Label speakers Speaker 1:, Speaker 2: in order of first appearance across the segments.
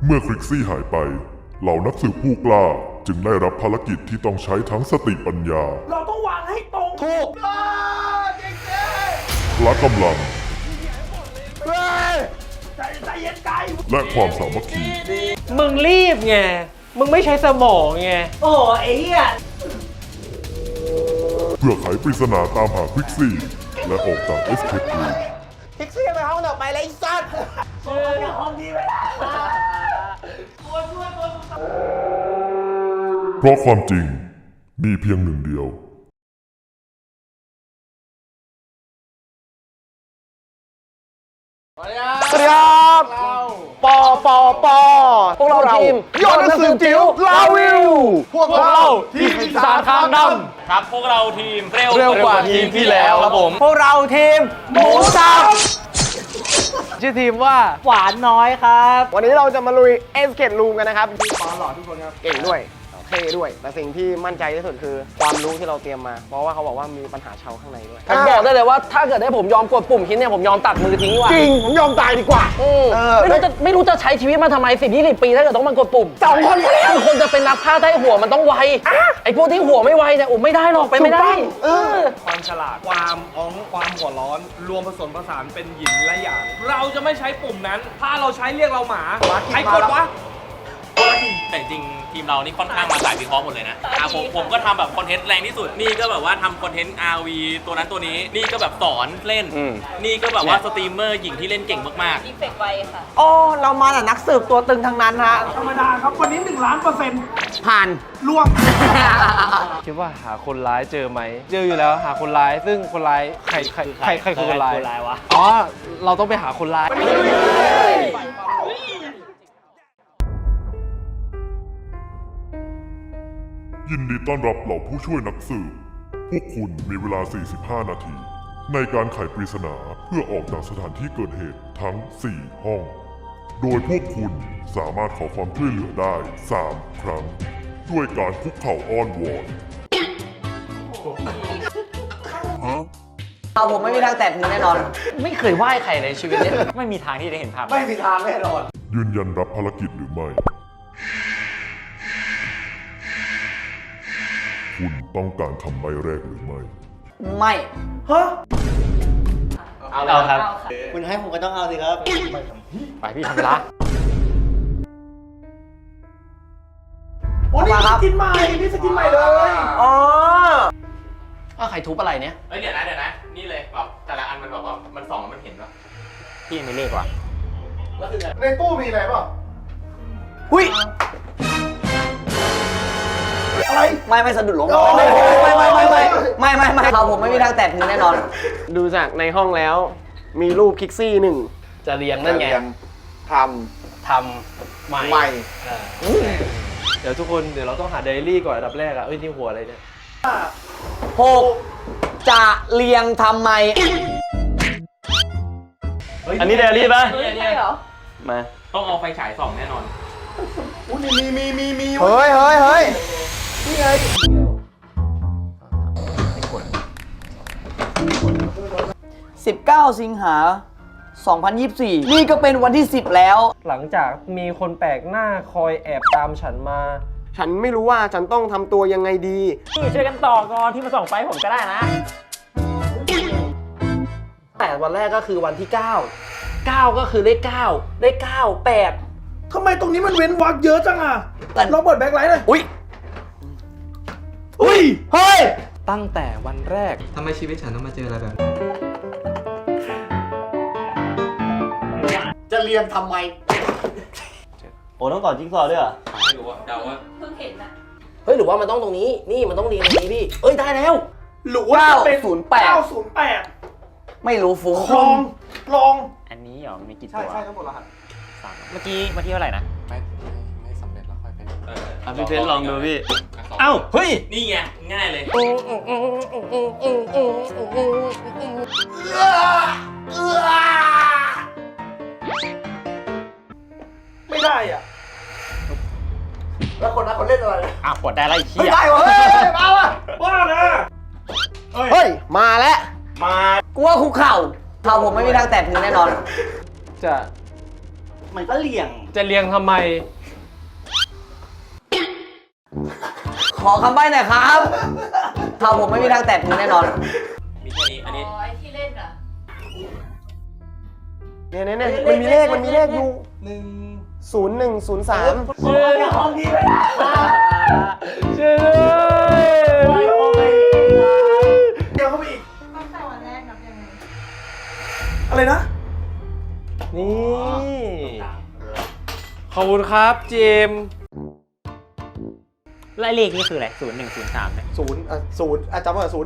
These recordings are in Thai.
Speaker 1: เมื่อคริกซี่หายไปเหล่านักสืบผู้กล้าจึงได้รับภารกิจที่ต้องใช้ทั้งสติปัญญา
Speaker 2: เราต้องวางให้ตรงถูก
Speaker 1: พละกำลัง
Speaker 2: ใจเย็นไกล
Speaker 1: และความสามัคคี
Speaker 3: มึงรีบไง มึงไม่ใช้สมองไง
Speaker 2: โอ้ไอ้เหี้ย
Speaker 1: เพื่อไขปริศนาตามหาคริกซี่และออกจากเอสเคปรูม
Speaker 2: พิกซี่ไปห้องต่อไปเลยไอ้สัตว์ห้องนี้ไม่ได้ตัวช่วยตัวสุดท้าย
Speaker 1: เพราะความจริงมีเพียงหนึ่งเดียว
Speaker 3: สวัสดีครับปอพวกเราทีมยอดนักสืบจิ๋วลาวิวพวกเราทีมปีศาจคางดำ
Speaker 4: ครับพวกเราทีม
Speaker 3: เร็วกว่าทีมที่แล้วครับผมพวกเราทีมหมูสับชื่อทีมว่าหวานน้อยครับวันนี้เราจะมาลุยเอสเกตรูมกันนะครับพี่ปอหล่อทุกคนครับเก่งด้วยเท่ด้วยแต่สิ่งที่มั่นใจที่สุดคือความรู้ที่เราเตรียมมาเพราะว่าเขาบอกว่ามีปัญหาเชาข้างในด้วยผมบอกได้เลยว่าถ้าเกิดให้ผมยอมกดปุ่มคิดเนี่ยผมยอมตัดมือทิ้งดีกว่าจริงผมยอมตายดีกว่าไม่รู้จะใช้ชีวิตมาทำไม10-20 ปีถ้าเกิดต้องมากดปุ่ม2 คนคือคนจะเป็นนักพากย์ได้หัวมันต้องไวไอ้พวกที่หัวไม่ไวเนี่ยไม่ได้หรอกไปไม่ได้
Speaker 5: ความฉลาดความความหัวร้อนรวมผสมผสานเป็นหยินและหยางเราจะไม่ใช้ปุ่มนั้นถ้าเราใช้เรียกเราหมาใครกดวะ
Speaker 4: แต่จริงทีมเรานี่ค่อนข้างมาสายวิเคราะห์หมดเลยนะผมก็ทำแบบคอนเทนต์แรงที่สุดนี่ก็แบบว่าทำคอนเทนต์ RV ตัวนั้นตัวนี้นี่ก็แบบสอนเล่นนี่ก็แบบว่าสตรีมเมอร์หญิงที่เล่นเก่งมาก
Speaker 6: ๆดีเฟกต์ไวค่ะ
Speaker 3: โอ้เรามาแต่นักสืบตัวตึงทั้งนั้นฮะ
Speaker 2: ธรรมดาครับวันนี้1,000,000%
Speaker 3: ผ่าน
Speaker 2: ล่วง
Speaker 7: คิดว่าหาคนร้ายเจอไหมเจออยู่แล้วหาคนร้ายซึ่งคนร้ายใครคือคนร้ายวะอ๋อเราต้องไปหาคนร้าย
Speaker 1: ยินดีต้อนรับเหล่าผู้ช่วยนักสืบพวกคุณมีเวลา 45 นาที ในการไขปริศนาเพื่อออกจากสถานที่เกิดเหตุทั้ง 4 ห้อง โดยพวกคุณสามารถขอความช่วยเหลือได้ 3 ครั้ง ด้วยการคุกเข่าอ้อนวอน
Speaker 3: ผมไม่มีทางแตะพื้นแน่นอนไม่เคยไหว้ใครในชีวิตนี้
Speaker 4: ไม่มีทางที่ได้เห็นภาพ
Speaker 2: ไม่มีทางแน่นอน
Speaker 1: ยืนยันรับภารกิจหรือไม่คุณต้องการคำใบ้แรกหรือไม่
Speaker 3: ไม่
Speaker 2: ฮะ
Speaker 4: เอาครับ
Speaker 2: คุณให้ผมก็ต้องเอาสิครับ
Speaker 4: ไปพี่ทำละ
Speaker 2: โอ้นี่สกินใหม่นี่สกินใหม่เลย
Speaker 3: อ๋อใครทุบอะไรเนี่ย
Speaker 4: เดี๋ยวนะนี่เลยแบบแต่ละอันมันแบบว่ามันส่องมันเห็นปะพี่ไม่เลขว่ะ
Speaker 2: ในตู้มีอะไรป่ะ
Speaker 3: หุ้ย
Speaker 2: อะไร
Speaker 3: ไม่สะดุดล้มไม่ผมไม่มีทางแตะพื้นแน่นอนดูจากในห้องแล้วมีรูปคิกซี่1จะเรียงนั่นไงทำใหม่
Speaker 7: เดี๋ยวทุกคนเดี๋ยวเราต้องหาไดอารี่ก่อนอันดับแรกนี่หัวอะไรเนี่ย
Speaker 3: 6จะเรียงทำไม
Speaker 7: อันนี้ไดอารี่ปะ
Speaker 6: ใช่เหรอ
Speaker 7: มา
Speaker 4: ต้องเอาไฟฉายส่องแน่นอน
Speaker 2: มี
Speaker 3: เฮ้ย
Speaker 2: นี่ไง
Speaker 3: 19 สิงหา 2024 นี่ก็เป็นวันที่ 10 แล้ว
Speaker 7: หลังจากมีคนแปลกหน้าคอยแอบตามฉันมา
Speaker 3: ฉันไม่รู้ว่าฉันต้องทำตัวยังไงดี
Speaker 4: พี่ช่วยกันต่อก่อนที่มาส่องไฟผมก็ได้นะ
Speaker 3: แต่วันแรกก็คือวันที่ 9 ก็คือเลข9 8
Speaker 2: ทำไมตรงนี้มันเว้นวรรคเยอะจังอ่ะเราเปิดแบ็คไลท์เลย
Speaker 3: อุ้ยเฮ้ย
Speaker 7: ตั้งแต่วันแรก
Speaker 5: ทำไมชีวิตฉันต้องมาเจออะไรแบบ
Speaker 2: จะเรียงทำไม
Speaker 3: โอ้ต้องต่อจิ๊กซอว์ด้วยเหรอ
Speaker 4: ไม่รู้ว่าเดาว่า
Speaker 6: เพิ่งเห็นนะ
Speaker 3: เฮ้ยหรือว่ามันต้องตรงนี้นี่มันต้องเรียงตรงนี้พี่ได้แล้ว
Speaker 2: หรือว่าเป็น
Speaker 3: 908ไม่รู้ฟุ้ง
Speaker 2: ลอง
Speaker 4: อันนี้เหรอมีกี่ตัว
Speaker 2: ใช่ทั้งหมดรหัส
Speaker 4: เมื่อกี้เท่าไหร่นะ
Speaker 5: ไม่สำเร็จแล้วค่อยเป็น
Speaker 7: พี่เพชรลองดูพี่
Speaker 4: เอ้าเฮ้ยนี่ไงง่ายเลย
Speaker 2: ไม่ได้อ่ะแล้วคนนั้นเขาเล่นอะไร
Speaker 4: กดได้ไรเชี่ย
Speaker 2: ไม่ได้วะมาว่ะบ้านะ
Speaker 3: เฮ้ยมาแล้วกูว่าคุกเข่าผมไม่มีทางแตะพื้นแน่นอน
Speaker 7: จะ
Speaker 2: มันก็เหลี่ยง
Speaker 7: จะเรียงทำไม
Speaker 3: ขอคำใบ้หน่อยครับถ้าผมไม่มีทางแตะมือแน่นอน
Speaker 4: มีแค่นี้ อันนี้
Speaker 6: อ๋อไอ้ที่เล่นอ่ะ
Speaker 3: เนี่ยมันมีเลขอยู่0103
Speaker 2: ห้องนี้ไม่ได้
Speaker 7: ช่วยด้วย
Speaker 2: เดี๋ยวเข้าไปอีก
Speaker 6: ตั้งแต่วันแรกนับยังไง
Speaker 2: อะไรนะ
Speaker 7: นี่ ขอบคุณครับเจมส์
Speaker 8: และเลขนี่คืออะไร0103เนี่ย
Speaker 3: 0จำว่า0103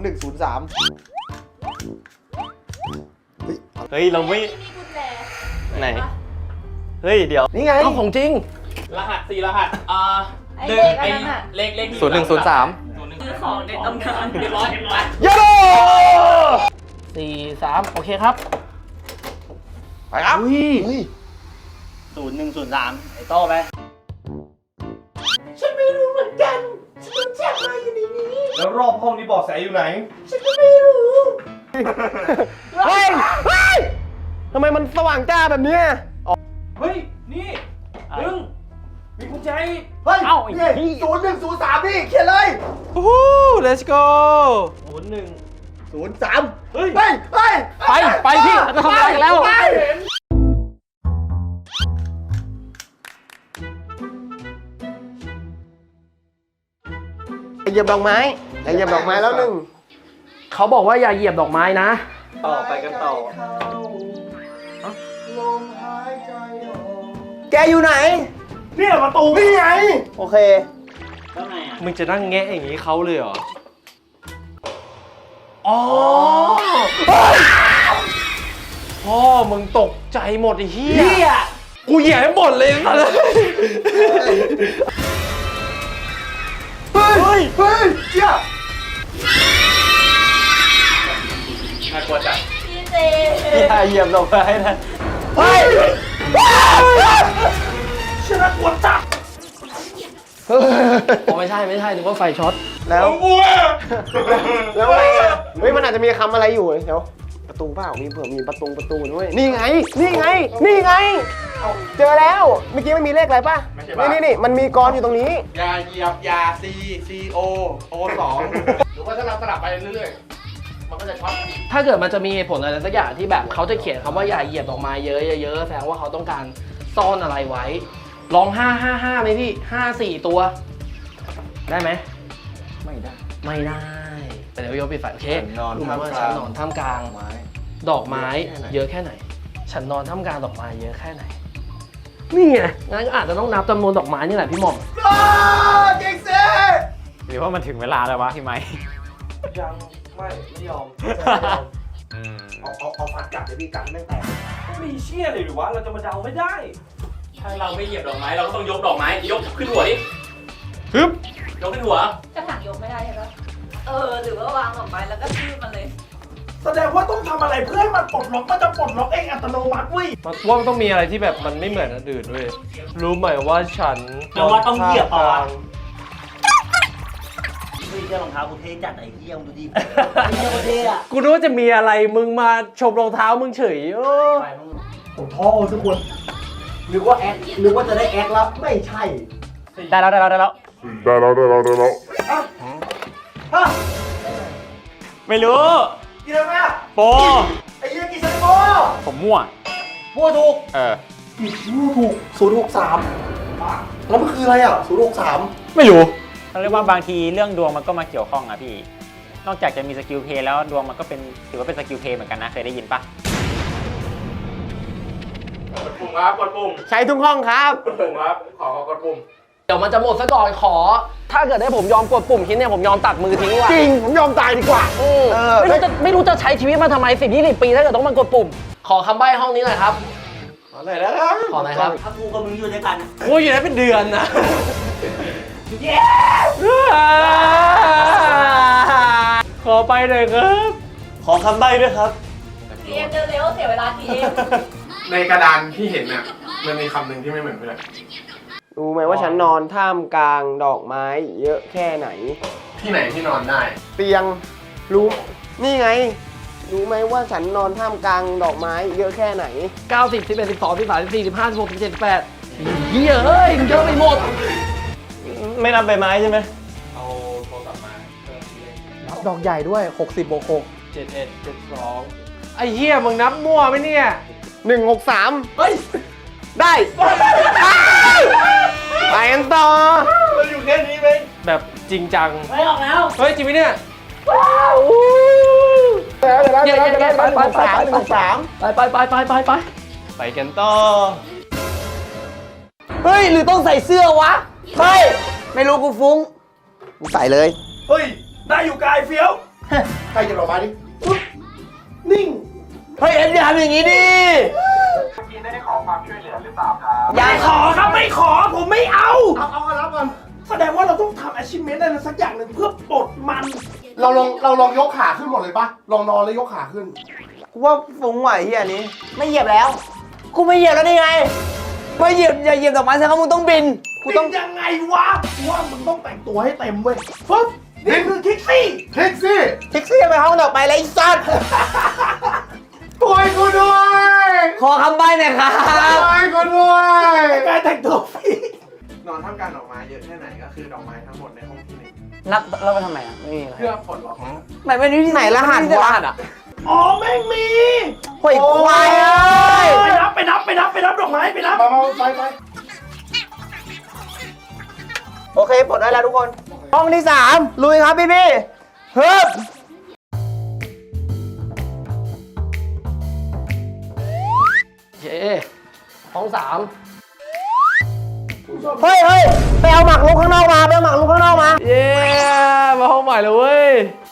Speaker 8: เฮ้ย เราไม่
Speaker 6: ที่นี่กุญแจ
Speaker 8: ไหน เฮ้ย เดี๋ยว
Speaker 3: นี่ไง
Speaker 7: เอาของจริง
Speaker 4: รหัส4รหัส
Speaker 6: ไอ้เลขอันนั้นอ่ะ
Speaker 4: เลขที่
Speaker 8: 0103
Speaker 4: 01
Speaker 6: ซื้อของในตำนาน
Speaker 4: เรียบร้อย
Speaker 7: ยโด43 โอเคครับ
Speaker 3: ไปครับ
Speaker 2: 0103 ไอ้โต้ไป
Speaker 5: แล้วรอบห้องนี้บอกแสอยู่ไหน
Speaker 3: เฮ้ยทำไมมันสว่างจ้าแบบเนี้ย
Speaker 5: เฮ้ย นี่มึงมีกุญแจอีก
Speaker 2: เฮ้ย
Speaker 8: เอ้าไอ้
Speaker 2: นี่
Speaker 8: เหี้ย
Speaker 2: 0103นี่เขียนเลย
Speaker 7: วู้ let's go
Speaker 2: 03
Speaker 5: เฮ้ย
Speaker 2: ไป
Speaker 7: ไปพี่เราจะทำอะไรกันแล้ว
Speaker 2: ไป
Speaker 3: เหยียบดอกไม้เหยียบดอกไม้แล้วหนึ่ง
Speaker 7: เขาบอกว่าอย่าเหยียบดอกไม้นะ
Speaker 5: ต่อไปกันต่อ
Speaker 3: แกอยู่ไหน
Speaker 2: เนี่ยประตูนี่ไง
Speaker 3: โอเค
Speaker 2: แล้วไงอ่ะ
Speaker 7: มึงจะนั่งแงะอย่างนี้เขาเลยเหรอ อ๋อพ่อมึงตกใจหมดไอ้เหี้ย กูเหยียบให้หมดเลยนะ
Speaker 2: เฮ้ยเจี๊ยบ
Speaker 4: น่ากลัวจัด
Speaker 6: พี่เจ
Speaker 8: อย่าเหยียบดอกไม้นะ
Speaker 3: เฮ้ย
Speaker 2: ชนะกวนจับ
Speaker 7: อ๋อไม่ใช่นึกว่าไฟช็อต
Speaker 3: แล้วแล้วไงอะเฮ้ยมันอาจจะมีคำอะไรอยู่เดี๋ยวประตูเปล่ามีเผื่อมีประตูด้วยนี่ไงเจอแล้วเมื่อกี้มันมีเลขอะไรป่ะนี่มันมีกรอยู่ตรงนี้
Speaker 5: อย่าเหยียบยา C O 2 หรือว่าถ้าเราสลับไปเรื่อยๆ มันก็จะช็อต
Speaker 7: ถ้าเกิดมันจะมีเหตุผลอะไรสักอย่างที่แบบเขาจะเขียนคำว่าอย่าเหยียบดอกไม้เยอะๆแสดงว่าเขาต้องการซ่อนอะไรไว้ ลอง555ไหมพี่54 ตัว ได้ไหมไม่ได้แต่เดี๋ยวยกปิดไฟโอเครู้ไหมว่าฉันนอนท่ามกลางดอกไม้เยอะแค่ไหน ฉันนอนท่ามกลางดอกไม้เยอะแค่ไหนนี่ไงงั้นก็อาจจะต้องนับจำนวนดอกไม้นี่แหละพี่หม่อม
Speaker 2: เก่งสิ
Speaker 8: หรือว่ามันถึงเวลาแล้ววะพี่ไม้
Speaker 5: ยังไม่ยอม
Speaker 2: เอาฟันกัดเดี๋ยวพี่กัดไม่แตก
Speaker 5: ไม่มีเชี่ยเลยหรือวะ เราจะมาเดาไม่ได้
Speaker 4: ถ้าเราไม่เหยียบดอกไม้เราก็ต้องยกดอกไม้ ยกขึ้นหัวดิ
Speaker 7: ฮึบ
Speaker 4: ยกขึ้นหัว
Speaker 6: กระถางยกไม่ได้ใช่ปะหรือว่าวางออกไปแล้วก็ชื่อมันเลย
Speaker 2: แสดงว่าต้องทำอะไรเพื่อให้มันปลดล็อกมันจะปลดล็อกเองอัตโนมัติเว้ย
Speaker 7: ว่ามันต้องมีอะไรที่แบบมันไม่เหมือนอันอื่นด้วยรู้ไหมว่าฉัน
Speaker 2: แต่ว่าต้องเหยียบเอาอะ เฮ้ยเจ้ารองเท้ากูเท่จัดไอ้เหี้ยมึงดูดิไอ้เหี้ยกูเท่อะ
Speaker 7: กูนึกว่าจะมีอะไรมึงมาชมรองเท้ามึงเฉยโอ้
Speaker 2: ผมท้อทุกคนนึกว่าแอคนึกว่าจะได้แอคแล้วไม่ใช่
Speaker 8: ได้แล้ว
Speaker 1: ได้แล้ว
Speaker 2: ฮะ
Speaker 8: ไม่รู้
Speaker 2: กินอะไรอ่ะ
Speaker 8: โป
Speaker 2: ไอ้เหี้ยกินซันโบ
Speaker 8: ผมมั่ว
Speaker 2: มั่วถูก
Speaker 8: ผิด
Speaker 2: มั่วถูก063แล้วมันคืออะไรอ่ะ063
Speaker 8: ไม่รู้เขาเรียกว่าบางทีเรื่องดวงมันก็มาเกี่ยวข้องอะพี่ นอกจากจะมีสกิลเพลย์แล้วดวงมันก็เป็นถือว่าเป็นสกิลเพลย์เหมือนกันนะ เคยได้ยินปะ
Speaker 5: กดปุ่มครับ กดปุ่ม
Speaker 3: ใช้ทุกห้องครับ
Speaker 5: กดปุ่มครับ ขอกดปุ่ม
Speaker 7: เดี๋ยวมันจะหมดซะก่อนขอ ถ้าเกิดได้ผมยอมกดปุ่มคิดเนี่ยผมยอมตัดมือทิ้งว่ะ
Speaker 3: จริงผมยอมตายดีกว่า
Speaker 7: ไม่รู้จะใช้ชีวิตมาทำไม10-20 ปีถ้าเกิดต้องมากดปุ่ม ขอคำใบ้ห้องนี้หน่อยครับ
Speaker 3: อะไรนะครับ
Speaker 7: ขอหน่อยครับ
Speaker 2: ถ้ากูกับมึงอยู่ด้วยกัน
Speaker 7: โอ้ยอยู่ได้เป็นเดือนนะ ขอไปหน่อยครับ
Speaker 2: ขอคำใบ้ด้วยครับ
Speaker 6: ทีเอ็มเร็วๆเสียเวลาทีเอ็ม
Speaker 5: ในกระดานที่เห็นน่ะ มันมีคำหนึ่งที่ไม่เหมือนเพื่อน
Speaker 3: รู้ไหมว่าฉันนอนท่ามกลางดอกไม้เยอะแค่ไหน
Speaker 5: ที่ไหนที่นอนได้
Speaker 3: เตียงรู้นี่ไงรู้ไหมว่าฉันนอนท่ามกลางดอกไม้เยอะแค่ไหน
Speaker 7: 90 11 12 13 14 15 16 17 18เหี้ยเฮ้ยเยอะไปหมด
Speaker 2: ไม่นับใบไม้ใช่ไหม
Speaker 5: เอาโทรศัพท์มา
Speaker 3: นับดอกใหญ่ด้วย 60บวก
Speaker 7: 71 72ไอ้เหี้ยมึงนับมั่วไหมเนี่ย
Speaker 3: 6 163 เฮ้ย ได้ไปกันต่อ
Speaker 2: เราอยู่แค่นี้ไหม
Speaker 7: แบบจริงจัง
Speaker 6: ไม่ออกแล้ว
Speaker 7: เฮ้ยจริงไหมเนี่ย
Speaker 3: เดี๋ยวไปไปไปไปกันต่อ เฮ้ย หรือต้องใส่เสื้อวะ เฮ้ย ไม่รู้กูฟุ้ง กูใส่เลย
Speaker 2: เฮ้ย ได้อยู่กายเฟี้ยวใครจะออกมาดิปุ๊บนิ่ง
Speaker 3: เฮ้ย เอ็มอย่าทำอย่างนี้ดิ
Speaker 2: อย่าขอครับไม่ขอผมไม่เอารับก่อนแสดงว่าเราต้องทำ achievement อะไรสักอย่างหนึ่งเพื่อปลดมัน
Speaker 9: เราลองยกขาขึ้นหมดเลยปะลองนอนแล้วยกขาขึ้น
Speaker 3: กูว่าฟุ้งไหวเฮียนี้ ไม่เหยียบแล้ว กูไม่เหยียบแล้วนี่ไง ไม่เหยียบอย่าเหยียบดอกไม้แสดงว่ามึงต้องบิน กูต้อง
Speaker 2: ยังไงวะว่ามึงต้องแต่งตัวให้เต็มเว้ยปึ๊บนี่คือคิกซี่
Speaker 9: คลิกสิ
Speaker 3: แท็กซี่ไปห้องดอกไม้เลยไอ้สัตว์
Speaker 9: ป่วยกูด้วย
Speaker 3: ขอคำใบ้หน่อยครับ
Speaker 9: ป่วยกูด้วย
Speaker 2: การแต่งตัวฟรี
Speaker 5: นอนท่ามกลางดอกไม้เยอะแค่ไหนก็คือดอกไม้ทั้งหมดในห้องที่หนึ่ง
Speaker 3: นับเราไปทำไมอ่ะ ไม่มีอะไร
Speaker 5: เพื่อปลดล็อก
Speaker 3: ไหนเป็นที่ไหนรหัสวะ
Speaker 2: อ๋อแม่งมี
Speaker 3: โอ้ยควายเอ้ย
Speaker 2: ไปนับดอกไม้ไปนับ
Speaker 9: มาไป
Speaker 3: โอเคปลดได้แล้วทุกคน ห้องที่ 3 ลุยครับพี่เฮ้ย
Speaker 7: เย้ห้อง
Speaker 3: เฮ้ยไปเอาหมากรุกข้างนอกมาไปเอาหมากรุกข้างนอกมา
Speaker 7: 3 เย้ มาห้องใหม่เลยเว้ย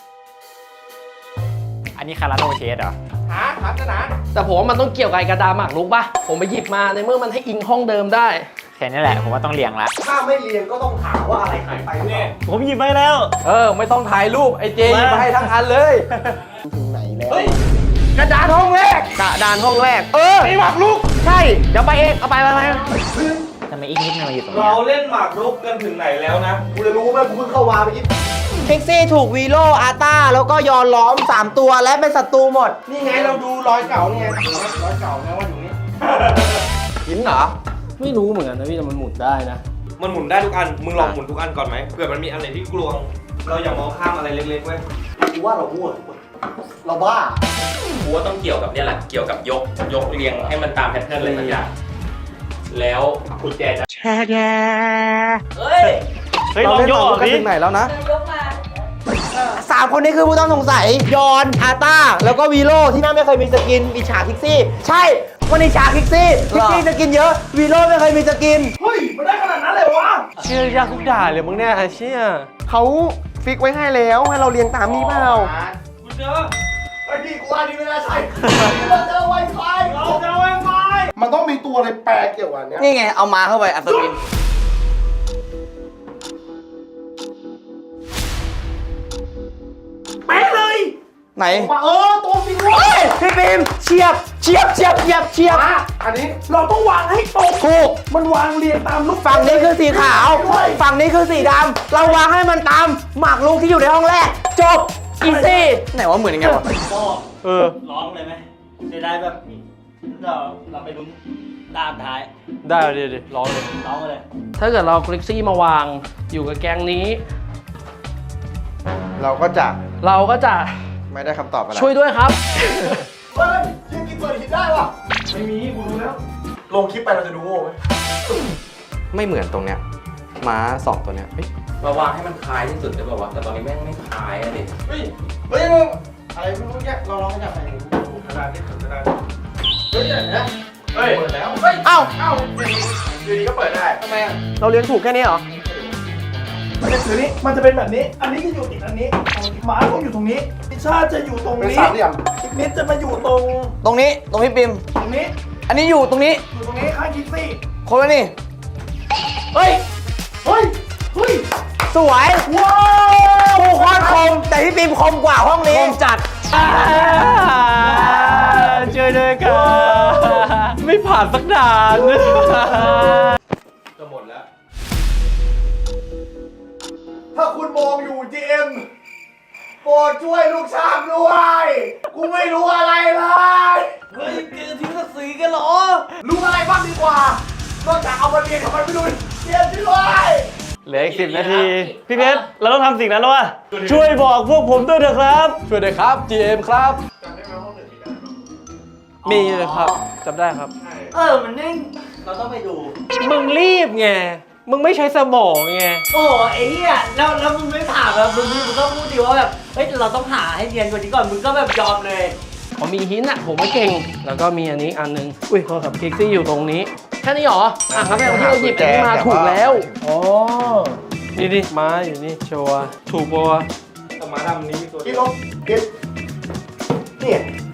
Speaker 8: อันนี้คาราโนเชสเหรอ
Speaker 7: แต่ผมว่ามันต้องเกี่ยวกับไอ้กระดาษหมากรุกป่ะ ผมไปหยิบมาในเมื่อมันให้อิงห้องเดิมได้
Speaker 8: แค่นี้แหละ ผมว่าต้องเรียงละ
Speaker 9: ถ้าไม่เรียนก็ต้องถามว่าอะไรหายไปเนี่ย
Speaker 8: ผมหยิบไปแล้ว
Speaker 7: ไม่ต้องถ่ายรูปไอ้เจหยิบมาให้ทั้งอันเลย
Speaker 3: ถึงไหนแล้ว
Speaker 7: กระดานห้องแรก
Speaker 3: กระดานห้องแรก
Speaker 2: ไอ้หมากรุก
Speaker 3: ใช่ เดี๋ยวไปเอง เอาไป
Speaker 8: ทำไมอีกนิดนึงมาอยู่ตรงนี้
Speaker 5: เราเล่นหมากรุกกันถึงไหนแล้วนะ
Speaker 9: กูจะรู้ไหมกูเพิ่งเข้าวาไปอีก
Speaker 3: พิกซี่ถูกวีโรอาร์ต้า แล้วก็ยอนล้อม 3 ตัวและเป็นศัตรูหมด
Speaker 9: นี่ไงเราดูรอยเก่านี่ไงรอยเก่านะว่าอยู่นี่
Speaker 3: หินเหรอ
Speaker 7: ไม่รู้เหมือนกันนะพี่แต่มันหมุนได้นะ
Speaker 5: มันหมุนได้ทุกอัน มึงลองหมุนทุกอันก่อนไหมเผื่อมันมีอันไหนที่กลวง เราอย่ามองข้ามอะไรเล็กๆเว้ย
Speaker 9: กูว่าเรามั่วเราบ้า
Speaker 4: กูว่าต้องเกี่ยวกับเนี่ยแหละ เกี่ยวกับยกเรียงให้มันตามแพทเทิร์นเลยสักอย่างแล้วกุญแจจะเฮ้ย
Speaker 8: เฮ้ยลองโยกออกดิ
Speaker 6: ยกมา
Speaker 3: 3 คนนี้คือผู้ต้องสงสัย ยอนอาร์ต้า แล้วก็วีโรที่น่าไม่เคยมีสกินอิจฉาพิกซี่ ใช่วันนี้อิจฉาพิกซี่สกินเยอะ วีโรไม่เคยมีสกิน
Speaker 2: เฮ้ยมันได้ขนาดนั้นเลยวะ
Speaker 7: เชื่อยากทุกด่านเลยมึงเนี่ยไอ้เชี่ย
Speaker 3: เขาฟิกไว้ให้แล้วให้เราเรียงตามนี้เปล่า
Speaker 5: กูเจอ
Speaker 9: ไอ้พี่กูว่านี่ไม่น่าใช่เราเจอไวไฟ
Speaker 2: เราจะเอาไว้ไฟ
Speaker 9: มันต้องมีตัวอะไรแปลกเกี่ยวกับอันเนี้ย
Speaker 3: นี่ไง เอามาเข้าไปอัศวิน
Speaker 2: เป๊ะเลย
Speaker 3: ไหน
Speaker 9: มาตัวจริงเว้
Speaker 3: เฮ้
Speaker 9: ย
Speaker 3: ยพี่ปิมเฉียบ
Speaker 9: อันนี้
Speaker 2: เราต้องวางให้ตรง
Speaker 3: ถูก
Speaker 2: มันวางเรียงตามลูก
Speaker 3: ฝั่งนี้คือสีขาว ฝั่งนี้คือสีดำ เราวางให้มันตามหมากรุกที่อยู่ในห้องแรก จบ อีซี่ ไหนว่าเหมือนยังไงวะ
Speaker 10: ร้องเลยไหมจะได้แบบเราไปลุ้นด้านท้าย
Speaker 7: ได้ดิร้องเลย
Speaker 10: ร้องเลย
Speaker 7: ถ้าเกิดเราคลิกซี่มาวางอยู่กับแกงนี้
Speaker 9: เราก็จะ
Speaker 7: เราก็จะ
Speaker 9: ไม่ได้คำตอบอะไร
Speaker 7: ช่วยด้วยครับ
Speaker 9: เฮ้ยยังกินเปิดหินได้วะ
Speaker 2: ไม่มีกูรู้แล้ว
Speaker 9: ลงคลิปไปเราจะดูโง่ไหม
Speaker 3: ไม่เหมือนตรงเนี้ยม้า2 ตัวเนี้ยเฮ้ย
Speaker 4: มาวางให้มันคล้ายที่สุดได้ป่าวะแต่ตอนนี้แม่งไม่คล้ายอะดิ
Speaker 9: เฮ้ยมึงอะไรไม่รู้เนี่ยเราลองขยับไปดู
Speaker 5: กระดานนี่กระดาน
Speaker 9: เฮ้ยเดี๋ยวนะเฮ้ยเปิดแล้ว
Speaker 3: เอ้า
Speaker 9: อยู่ดีก็เปิดได้ทำไมอ่ะ
Speaker 3: เราเรียนถูกแค่นี้เหรอ
Speaker 2: มันจะถือนี้มันจะเป็นแบบนี้ อันนี้จะอยู่ติดอันนี้หมาต้องอยู่ตรงนี้พิชชาจะอยู่ตรง
Speaker 9: เป็น
Speaker 2: นี้
Speaker 9: สามเหลี่ยม
Speaker 2: อีกนิดจะมาอยู่ตรง
Speaker 3: ตรงนี้ ตรงพี่ปิม
Speaker 2: ตรงนี้
Speaker 3: อันนี้อยู่ตรงนี้
Speaker 2: อยู่ตรงนี้ข้างคิกซี่
Speaker 3: คนละนี่
Speaker 2: เฮ้ย เฮ้ย เฮ้ย
Speaker 3: สวย ว้าวผู้คอนคม แต่พี่ปิมคมกว่าห้องนี้ คมจัด
Speaker 7: ช่วยด้วยกันไม่ผ่านสักด่าน
Speaker 5: จะหมดแล้ว
Speaker 9: ถ้าคุณมองอยู่ GM โปรดช่วยลูกช้างด้วย กูไม่รู้อะไรเลย
Speaker 5: เฮ้ยเกมทิ้งศักดิ์ศรีกันเหรอ
Speaker 9: รู้อะไรบ้างดีกว่า นอกจากเอามาเรียนทำไมไม่รู้เรียนด้วย
Speaker 10: เหลืออีก10 นาที พี่เพชรเราต้องทำสิ่งนั้นแล้ววะช่วยบอกพวกผมด้วยเถอะครับ
Speaker 3: ช่วยด้วยครับ GM ครับ มีเลยครับจำได้ครับ
Speaker 10: มันนิ่งเราต้องไปดู
Speaker 3: มึงรีบไง มึงไม่ใช้สมองไง
Speaker 10: โอ้ไอ้เหี้ยแล้วมึงไม่ถามแบบมึงก็พูดดีว่าแบบเฮ้ยเราต้องหาให้เรียนกว่านี้ก่อนมึงก็แบบยอมเลย
Speaker 7: ผมมีหินอ่ะ ผมไม่เก่ง แล้วก็มีอันนี้อันนึง อุ้ยโทรศัพท์คิกซี่อยู่ตรงนี้ แค่นี้เหรอ อ่ะครับแม่ที่เราหยิบอันนี้มาถูกแล้ว
Speaker 3: อ๋อ นี่ดิม้าอยู่นี่ชัวร์ถูกปะวะ
Speaker 5: แต่มาดำนี้มีตัว
Speaker 9: กินลงกินนี่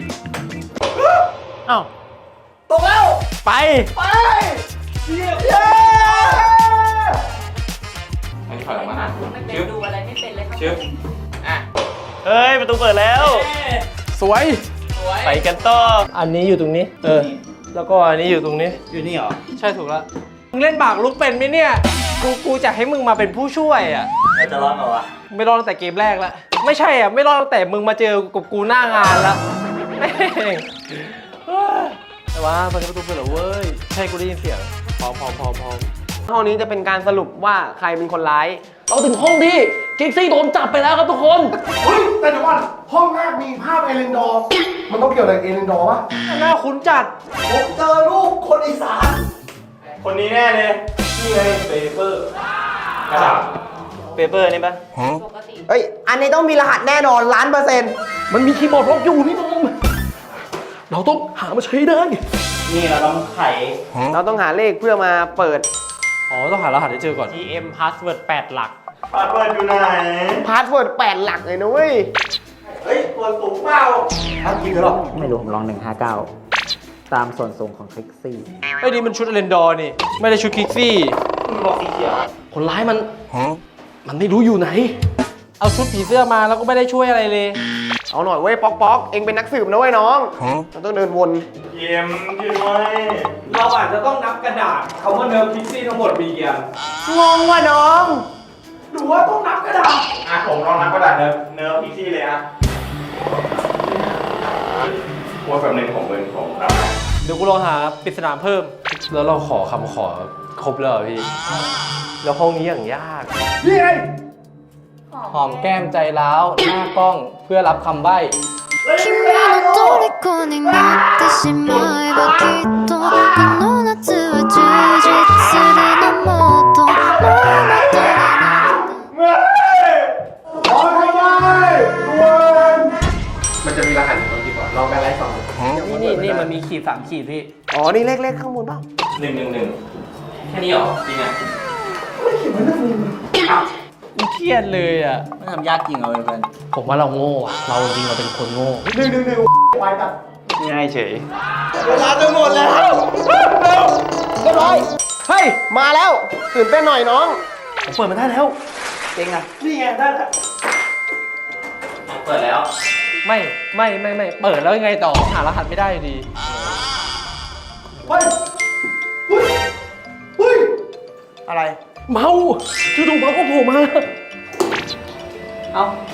Speaker 3: อ้าว
Speaker 9: ตกแล้ว
Speaker 3: ไป
Speaker 9: ไปเย้
Speaker 4: อันนี้ถอยออกมานะ
Speaker 6: ไม่เป็นดูอะไรไม่เป็นเลยครับ
Speaker 4: ชึบอ่ะ
Speaker 10: เฮ้ยประตูเปิดแล้ว
Speaker 3: สวย
Speaker 10: ไปกันต่อ
Speaker 3: อันนี้อยู่ตรงนี้ แล้วก็อันนี้อยู่ตรงนี้
Speaker 10: อยู่นี่เหรอ
Speaker 3: ใช่ถูกแล้ว มึงเล่นบากลุกเป็นไหมเนี่ย กูจะให้มึงมาเป็นผู้ช่วยอ่ะ
Speaker 10: เราจะรอดเปล่าวะ
Speaker 3: ไม่รอดตั้งแต่เกมแรกแล้ว ไม่ใช่อ่ะ ไม่รอดตั้งแต่มึงมาเจอกับกูหน้างานแล้วแม่งแต่ว่าเปิดประตูเปิดเหรอเว้ย ใช่กูได้ยินเสียงพร้อมห้องนี้จะเป็นการสรุปว่าใครเป็นคนร้าย
Speaker 7: เราถึงห้องที่คิกซี่โดนจับไปแล้วครับทุกคน
Speaker 9: เฮ้ยแต่เดี๋ยวก่อนห้องแรกมีภาพเอเลนดอร์ มันต้องเกี่ยวอะไรกับเอเลนดอร์ปะ
Speaker 3: หน้าคุ้นจัด
Speaker 9: ผมเจอรูปคนอีสาน
Speaker 10: คนนี้แน่เลย
Speaker 5: นี่ไงเปเปอร์
Speaker 10: กระดาษเปเปอร์นี่ปะ
Speaker 6: ปกติ
Speaker 3: เฮ้ย อันนี้ต้องมีรหัสแน่นอน1,000,000%
Speaker 7: มันมีคีย์บอร์ดล็อกอยู่นี่ตรงเราต้องหามาใช้ได้
Speaker 10: นี่เราต้องไข
Speaker 3: เราต้องหาเลขเพื่อมาเปิด อ๋อ ต้องหารหัสให้เจอก่อน
Speaker 8: GM password 8 หลัก
Speaker 10: พาสเวิร์ดอยู่ไหน
Speaker 3: พาสเวิร์ด8 หลักเลยนะเว้ย
Speaker 9: เฮ้ยตัวสูงเปล่าทำจริงเหรอ
Speaker 8: ไม่รู้ ผมลอง 159 ตามส่วนสูงของคลิกซี่
Speaker 3: ไอ้นี่มันชุดเรนดอร์นี่ ไม่ได้ชุดคิกซี่
Speaker 7: คนร้ายมันไม่รู้อยู่ไหน
Speaker 3: เอาชุดผีเสื้อมาแล้วก็ไม่ได้ช่วยอะไรเลย เอาหน่อยเว้ย ป๊อก เองเป็นนักสืบนะเว้ยน้องเราต้องเดินวน
Speaker 10: เยี่ยมด้วย
Speaker 5: เราอาจจะต้องนับกระดาษคำว่าเนิร์ฟพิกซี่ทั้งหมดมีกี่อัน
Speaker 3: งงว่ะน้อง
Speaker 5: หรือว่าต้องนับกระดาษ
Speaker 10: อ่ะผมลองนับกระดาษเนิร์ฟพิกซี่เลยอ่ะว่าแบบหนึ่งผมนับ
Speaker 3: เดี๋ยวกูลองหาปริศนาเพิ่ม แล้วเราขอคำขอครบแล้วเหรอพี่ แล้วห้องนี้อย่างยาก
Speaker 9: นี่ไง
Speaker 7: หอมแก้มใจร้าว หน้ากล้องเพื่อรับคำใบ้
Speaker 11: 君の虜になってしまえばきっとこの夏は充実するのもっともうまたになる
Speaker 9: ขอทำไมด่วน
Speaker 3: มันจะมีรหัสอยู่ตรงที่ก่อนลองกันไล่สอง
Speaker 7: นี่มันมีขีด3 ขีดพี่
Speaker 3: อ๋อ นี่เลขข้างบนเปล่า
Speaker 4: 111แค่นี้เหรอ จริงอ่ะ
Speaker 3: กูเครียดเลยอ่ะ
Speaker 10: ไม่ทำยากจริงเอาเพื่อน
Speaker 7: ผมว่าเราโง่อะเราจริงเราเป็นคนโง่
Speaker 9: ไวตัด
Speaker 10: ง่ายเฉย
Speaker 3: เวลาจะหมดแล้วเร็วเรียบร้อย เฮ้ย มาแล้วตื่นเต้นหน่อยน้อง
Speaker 7: ผมเปิดมาได้แล้ว
Speaker 3: นี่ไงได้แล้ว
Speaker 4: เปิดแล้ว
Speaker 3: ไม่ เปิดแล้วยังไงต่อ หารหัสไม่ได้อยู่ดี
Speaker 9: เฮ้ยเฮ้ยเฮ้ย
Speaker 3: อะไร
Speaker 7: เมาจู่ๆเมาก็โผล่มา
Speaker 3: เอา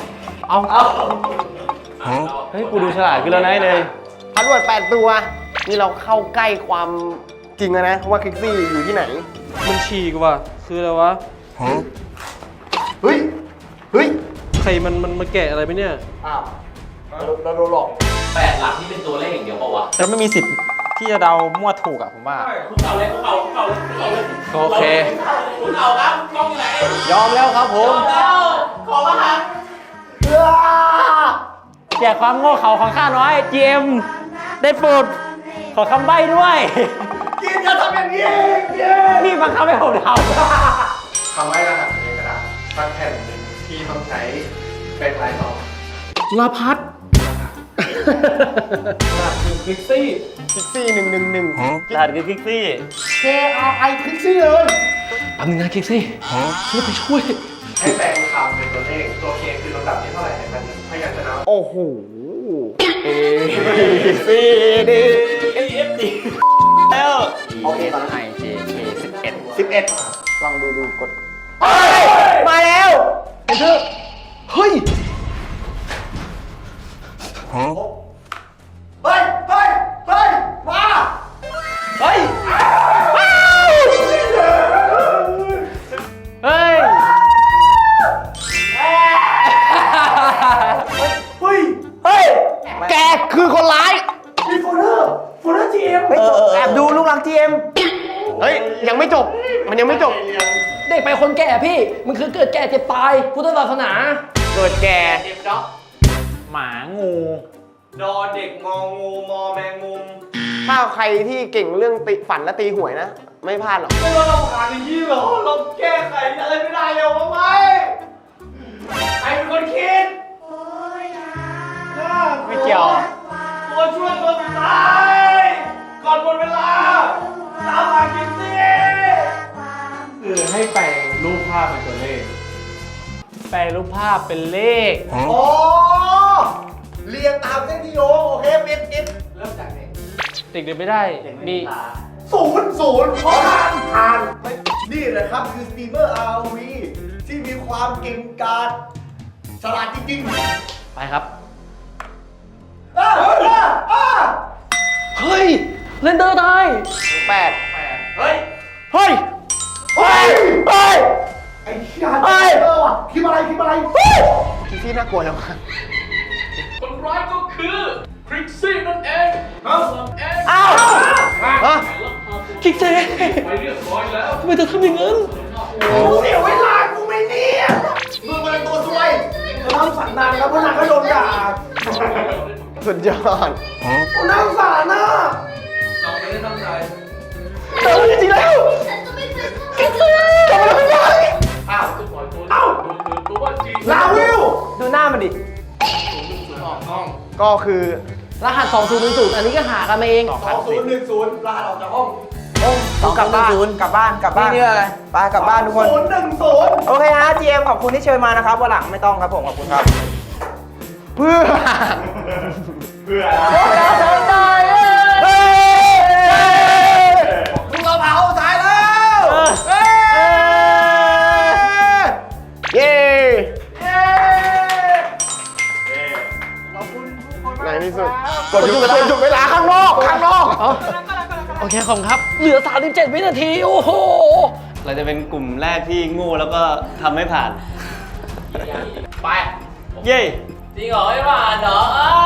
Speaker 10: เฮ้ย กูดูฉลาดขึ้นแล้วนะไอ้เลย
Speaker 3: พาสเวิร์ด8 ตัว นี่เราเข้าใกล้ความจริงแล้วนะ ว่าคลิกซี่อยู่ที่ไหน มันฉีกว่ะ คืออะไรวะ
Speaker 9: เฮ้ย เฮ้ย
Speaker 3: ใครมันแกะอะไรไหมเนี่ย
Speaker 9: อ้าวเราโดนหลอก
Speaker 4: 8 หลักนี่เป็นตัวเลขอย่างเดียวเปล่าวะ
Speaker 8: แต่ไม่มีสิทธิ์ที่จะเดามั่วถูกอ่ะผมว่า
Speaker 4: คุกเข่าเลย
Speaker 3: โอเค
Speaker 4: คุกเข่าครับกล้องอยู่ไหน
Speaker 3: ยอมแล้วครับผม
Speaker 4: แล้ว ขอมาหัน
Speaker 8: แจกความโง่เขาของข้าน้อย GM ได้โปรดขอคำใบ้ด้วย
Speaker 9: กินอย่าทำอย่างนี้กิน
Speaker 8: นี่บังคับให้ผมท
Speaker 9: ทำให้รหัสในกระดาษสักแผ่นหนึ่งที่ต้องใช้เป็นลายต่อ
Speaker 7: ลาพัด
Speaker 3: คลิกซี่111
Speaker 10: รหัสคือคลิกซี่
Speaker 9: KRI คลิกซี่เลย
Speaker 7: แป๊บนึงนะคิกซี่ช่วยไปช่วย
Speaker 9: ให้แปลงคำเป็นตัวเลข ตัว K คือลำดับที่เท่าไหร่ในพันพยัญชนะ
Speaker 3: โอ้โห A B D
Speaker 10: แล้ว
Speaker 3: โอเคตอนนั้น
Speaker 8: IJK
Speaker 3: 11 ลองดูกด มาแล้ว
Speaker 7: เฮ้ย
Speaker 9: เฮ้ย เฮ้ย เฮ้ย มา
Speaker 3: เฮ้ย เฮ้ย
Speaker 2: เฮ้ย
Speaker 3: เฮ้ย แกคือคนร้าย
Speaker 2: มีโฟลเดอร์จีเอ็ม
Speaker 3: แอบดูลูกรักทีเอ็มเฮ้ย ยังไม่จบ มันยังไม่จบ
Speaker 7: เด็กไปคนแก่พี่ มันคือเกิดแก่เจ็บตาย พุทธศาสนา
Speaker 3: เกิดแก่
Speaker 8: หมางู
Speaker 5: ดอเด็กงองูมอแมงมุม
Speaker 3: ถ้าใครที่เก่งเรื่องฝันและตีหวยนะ ไม่พลาดหรอก
Speaker 5: ไม่ว่าเราผ่านอย่างนี้เหรอ เราแก้ไขอะไรไม่ได้เลยวะไหมใครเป็นคนคิด
Speaker 8: ไม่เกี่ยว
Speaker 5: ตัวช่วยตัวสุดท้ายก่อนหมดเวลาตามหากินสิคือให้แปลงรูปภาพเป็นตัวเลข
Speaker 7: แปลรูปภาพเป็นเลข
Speaker 9: อ๋อ เรียงตามเส้นที่โยงโอเคปิด
Speaker 5: เริ่มจากเด็ก
Speaker 7: เด็กเดินไม่ได้ มี
Speaker 9: 0 เพราะผ่านนี่แหละครับคือสตรีมเมอร์ RV ที่มีความเก่งกาจฉลาดจริงๆ
Speaker 7: ไปครับ
Speaker 9: อ่ะ
Speaker 7: เฮ้ย เรนเดอร์ได้
Speaker 3: 8
Speaker 5: เฮ้ย
Speaker 3: เฮ้ย เฮ้ย เฮ้ย
Speaker 9: ไอ้เหี้ยว่ะคิดอะไร
Speaker 3: ที่น่ากลัวจังวะ
Speaker 5: คนร้ายก็คือคริกซี่นั่นเองเอง
Speaker 3: อ้าวฮะ
Speaker 7: คิกเจ
Speaker 5: ไปเรียบร้อยแล้ว
Speaker 7: ทำไมเธอทำอย่างนั้น
Speaker 2: เสียเวลากูไม่เนี่ย
Speaker 9: มึงเป็นตัวซวย
Speaker 2: เราทำฝันนานแล้วเพราะนางก็โดนด่า
Speaker 3: สุดยอด
Speaker 2: กูน่าสงสารนะ
Speaker 5: เราไม่ได้ตั้งใจ
Speaker 3: เจอจริงๆแล้ว
Speaker 5: อ้าวปล่อยตัวเอ้าตัวจริง
Speaker 2: ลาวิว
Speaker 3: ดูหน้ามันดิ
Speaker 5: ออกห้อง
Speaker 3: ก็คือ
Speaker 7: รหัส2000อันนี้ก็หากันมาเอง
Speaker 9: 2010 ลาออกจากห้อง
Speaker 3: กลับบ้านกลับบ้านนี่อะไรไปกลับบ้านทุกคน
Speaker 2: 010
Speaker 3: โอเคฮะ GM ขอบคุณที่เชิญมานะครับวันหลังไม่ต้องครับผม ขอบคุณครับ เพื่อเราเดินได้พวกเราเผาสายแล้วเย้ในที่สุดกดหยุดเวลาข้างนอก
Speaker 7: โอเคขอบคุณครับ เหลือ37วินาที โอ้โห
Speaker 10: เราจะเป็นกลุ่มแรกที่โง่แล้วก็ทำไม่ผ่าน
Speaker 4: ไป
Speaker 10: เย้
Speaker 4: จริงเหรอไม่ผ่านเหรอ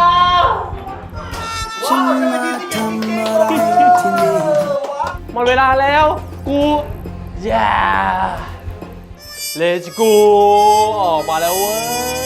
Speaker 7: หมดเวลาแล้ว กูอย่า Let's go ออกมาแล้วเว้ย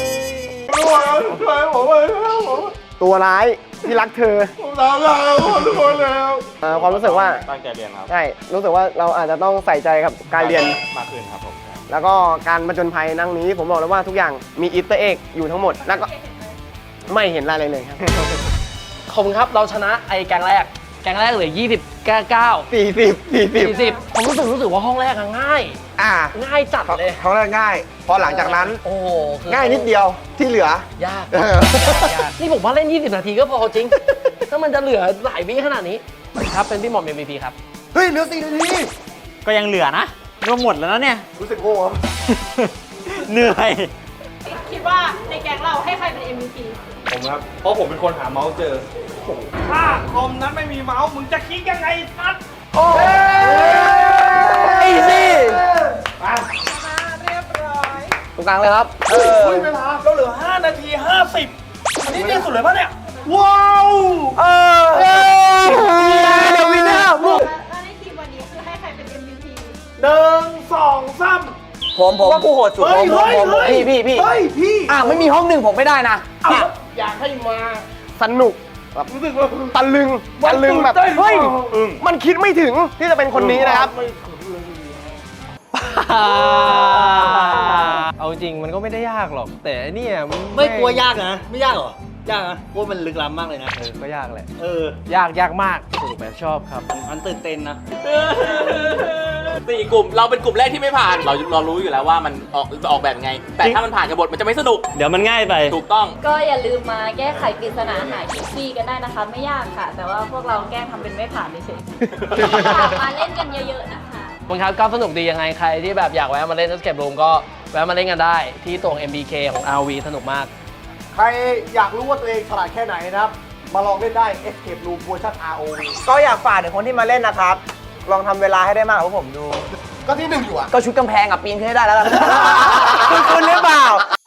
Speaker 3: ตัวร้ายที่รักเธอผมรักเราทุกคนแล้วความรู้สึกว่า
Speaker 8: ตั้งใจเรียนครับ
Speaker 3: ใช่ รู้สึกว่าเราอาจจะต้องใส่ใจกับการเรียน
Speaker 8: มากขึ้นครับผม
Speaker 3: แล้วก็การผจญภัยนั่งนี้ผมบอกเลยว่าทุกอย่างมีอีสเตอร์เอ็กอยู่ทั้งหมด แล้วก็ไม่เห็นอะไรเลยครับ
Speaker 7: ขอบคุณครับ เราชนะไอ้แกงแรกเหลือ29 40ผมรู้สึกว่าห้องแรกอะง่าย ง่ายจัดเลย
Speaker 3: เขาเรียกง่าย พอหลังจากนั้น
Speaker 7: โอ้โหคือ
Speaker 3: ง่ายนิดเดียวที่เหลือ
Speaker 7: ยาก นี่ผมว่าเล่น 20 นาทีก็พอจริง ถ้ามันจะเหลือหลายวิขนาดนี้ ครับเป็นพี่หม่อม MVP ครับ
Speaker 3: เฮ้ยเหลือ4 นาที
Speaker 8: ก็ยังเหลือนะรวมหมดแล้วนะเนี่ย
Speaker 3: รู้สึกโง่ครับ
Speaker 8: เหนื่อย
Speaker 6: คิดว่าในแก๊งเราให้ใครเป็น MVP
Speaker 5: ผมครับ เพราะผมเป็นคนหาเมาส์เจอ ถ้าคอมนั้นไม่มีเมาส์มึงจะคลิกยังไงนัด
Speaker 3: อีซี่ตรงกลางเลยครับ
Speaker 2: เวลาเราเหลือ5 นาที 50 อันนี้เนี่ยสุดเลยปะเนี่ย ว้าว
Speaker 3: เดี๋ยววินเนอร์
Speaker 6: แล้วในทีมวันนี้คือให้ใครเป็น MVP
Speaker 2: 1 2 3
Speaker 3: ผมว่ากูโหดสุดพี่
Speaker 2: เฮ้ยพี่
Speaker 3: ไม่มีห้องหนึ่งผมไม่ได้นะ
Speaker 2: อยากให้มา
Speaker 3: สนุกแบบรู้สึกว่าตะลึงแบบเฮ้ยมันคิดไม่ถึงที่จะเป็นคนนี้นะครับ
Speaker 7: เอาจริงมันก็ไม่ได้ยากหรอก แต่เนี่ยน
Speaker 10: ไม่กลัวยากนะ ไม่ยากเหรอ ยากนะเพราะมันลึกล้ำมากเลยนะ
Speaker 7: ก็ยากแหละ
Speaker 10: ยาก
Speaker 7: ยากมากสนุกแบบชอบครับ
Speaker 10: มันตื่นเต้นนะ
Speaker 4: 4 กลุ่มเราเป็นกลุ่มแรกที่ไม่ผ่าน เรารู้อยู่แล้วว่ามันออกแบบไง แต่ถ้ามันผ่านกับบทมันจะไม่สนุก
Speaker 10: เดี๋ยวมันง่ายไป
Speaker 4: ถูกต้อง
Speaker 6: ก็อย่าลืมมาแก้ไขปริศนาหาคิกซี่กันได้นะคะ ไม่ยากค่ะ แต่ว่าพวกเราแกล้งทำเป็นไม่ผ่านเฉยๆมาเล่นกันเยอะๆนะคะ
Speaker 7: บางครั้งก็สนุกดียังไงใครที่แบบอยากแวะมาเล่น Escape Room ก็แวะมาเล่นกันได้ที่ตรง MBK ของ RV สนุกมาก
Speaker 9: ใครอยากรู้ว่าตัวเองฉลาดแค่ไหนนะครับ มาลองเล่นได้ Escape Room เวอร์ชัน ROV
Speaker 3: ก็อยากฝากถึงคนที่มาเล่นนะครับ ลองทำเวลาให้ได้มากกว่าผมดู
Speaker 9: ก็ที่หนึ่งอยู่อ่ะ
Speaker 3: ก็ชุดกำแพงกับปีนขึ้นให้ได้แล้วกัน คุณหรือเปล่า